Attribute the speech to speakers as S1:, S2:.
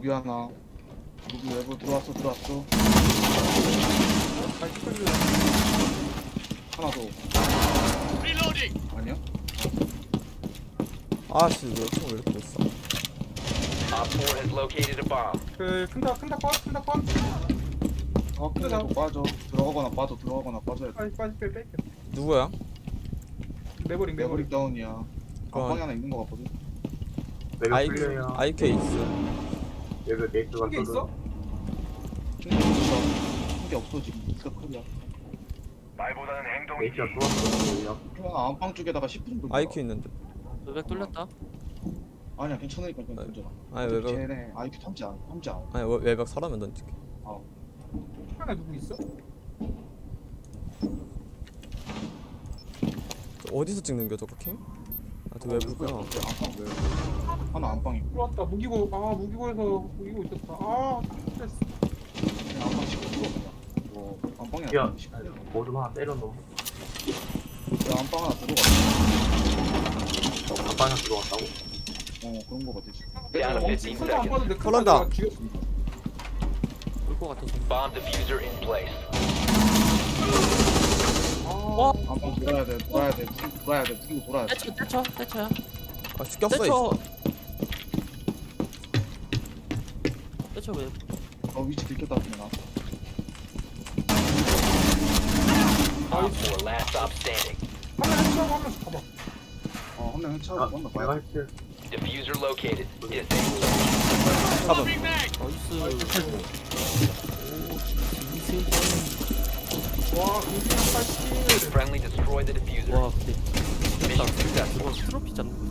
S1: 로비 하나. 로비 외부 들어왔어. 하나 더. 아니야?
S2: 아씨 왜 이렇게 못 써?
S3: Op 4 has located a bomb.
S4: 그 큰다 건.
S1: 확인해도 빠져. 들어가거나 빠져야 돼.
S4: 빠지 뺄게.
S2: 누구야?
S4: 매버릭.
S1: 매버릭 다운이야.
S2: 그건-
S1: 안방에 하나 있는 거 같거든.
S2: 아이
S5: 풀려요.
S2: IK 있어.
S5: 여기 네이트가
S4: 게 있어?
S1: 한게 없어 지금. 진짜 크리야.
S5: 네이트가 들어왔어.
S1: 그냥 안방 쪽에다가 10분 돌려.
S2: IQ 있는데.
S6: 외벽 뚫렸다.
S1: 아니야 괜찮으니까 그냥 던져라.
S2: 아니 외벽
S1: 쟤네 IQ 탐지 않아.
S2: 아니 외벽 서라면 던질게.
S4: 하나 누구 있어?
S2: 어디서 찍는 겨 저거 캠? 아저 외부구나.
S1: 안방 외부. 하나 안방이.
S4: 들어왔다. 무기고에서 무기고 있었다. 스트레스.
S1: 그냥 안방 시켜 들어 그냥. 뭐 안방에
S5: 야,
S1: 하나 시켜.
S5: 뭐좀 하나 때려놓으면
S1: 야 안방 하나 들어가.
S5: 안방에 들어왔다고?
S1: 그런 거 같아.
S3: Down to 15
S4: 손도 안
S3: seconds.
S4: 빠는데
S2: 털난다.
S6: 올 것 같아서.
S3: Bomb diffuser in place.
S1: 안방 돌아야 돼. 무기고 돌아야 돼.
S6: 떼쳐야.
S2: 아 꼈어.
S6: 떼쳐 왜?
S1: 위치 들켰다 그냥.
S3: Op 4 last stop standing.
S4: 한명 해치하고 한 명씩 가봐.
S1: 한 명
S5: 아,
S1: 해치하고 건너
S5: 내가
S1: 봐야
S5: 할게.
S3: Diffuser located. Disable.
S6: 나이스.
S4: 와, 공수는 80.
S3: Friendly destroy the diffuser.
S6: 와 근데
S3: Mission successful.
S6: 이건 트로피잖아.